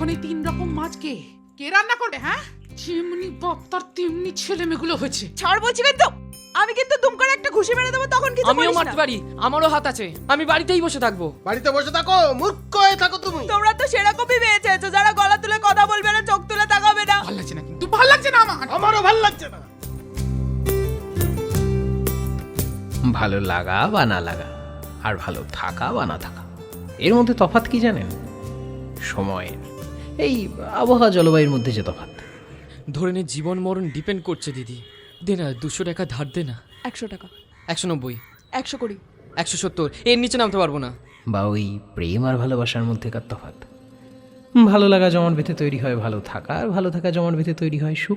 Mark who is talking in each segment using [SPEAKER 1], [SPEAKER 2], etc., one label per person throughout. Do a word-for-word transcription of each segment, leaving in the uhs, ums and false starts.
[SPEAKER 1] এখন এই তিন রকম মাছ কে কে রান্না করবে? হ্যাঁ, যেমনি বাপ তার তেমনি ছেলে মেয়েগুলো হয়েছে।
[SPEAKER 2] ছাড় বলছি কিন্তু, আমি কিন্তু দুম করে একটা ঘুষি মেরে দেবো, তখন কিছু
[SPEAKER 3] আমিও
[SPEAKER 2] বলিস
[SPEAKER 3] মারতে
[SPEAKER 2] না।
[SPEAKER 3] পারি, আমারও হাত আছে, আমি বাড়িতেই বসে থাকবো।
[SPEAKER 4] বাড়িতে বসে থাকো, মূর্খ হয়ে থাকো তুমি।
[SPEAKER 2] তোমরা তো সেরকমই পেয়েছো, যারা গলা তুলে কথা বলবে না, চোখ তুলে তাকাবে না।
[SPEAKER 1] ভালো লাগছে না, কিন্তু ভালো লাগছে না আমার।
[SPEAKER 4] আমারও ভাল লাগছে না।
[SPEAKER 5] ভালো লাগা বা না লাগা আর ভালো থাকা বা না থাকা, এর মধ্যে তফাৎ কি জানেন? সময়ের, এই আবহাওয়া জলবায়ুর মধ্যে যে তফাৎ।
[SPEAKER 3] ধরে নে জীবন মরণ ডিপেন্ড করছে দিদি। দে না দুশো টাকা ধার দে না।
[SPEAKER 2] একশো টাকা,
[SPEAKER 3] একশো নব্বই,
[SPEAKER 2] একশো কুড়ি,
[SPEAKER 3] একশো সত্তর, এর নিচে নামতে পারবো না।
[SPEAKER 5] বা ওই প্রেম আর ভালোবাসার মধ্যেকার তফাৎ। ভালো লাগা জমাট বেঁধে তৈরি হয় ভালো থাকা, আর ভালো থাকা জমাট বেঁধে তৈরি হয় সুখ।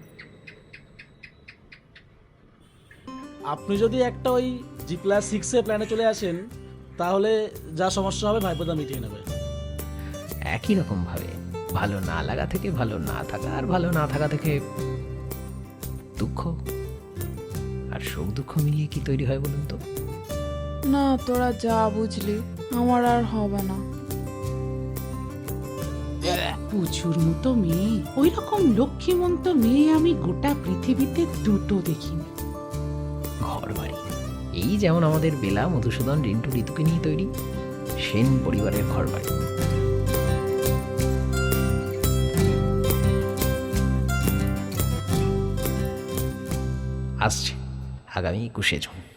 [SPEAKER 6] আপনি যদি একটা ওই জি প্লাস সিক্সে প্ল্যানে চলে আসেন, তাহলে যা সমস্যা হবে ভাইপোদা মিটিয়ে নেবে।
[SPEAKER 5] একই রকম ভাবে ভালো না লাগা থেকে ভালো না থাকা, আর ভালো না থাকা থেকে দুঃখ আর সুখ দুঃখ মিলিয়ে কি তৈরি হয় বলুন তো?
[SPEAKER 7] না, তোরা যা বুঝলি, আমার আর হবে না।
[SPEAKER 1] প্রচুর মতো মেয়ে, ওই রকম লক্ষ্মীমন্ত মেয়ে আমি গোটা পৃথিবীতে দুটো দেখিনি।
[SPEAKER 5] ঘর বাড়ি, এই যেমন আমাদের বেলা, মধুসূদন, রিন্টু, ঋতুকে নিয়ে তৈরি সেন পরিবারের ঘর বাড়ি। আসছে আগামী একুশে জুন।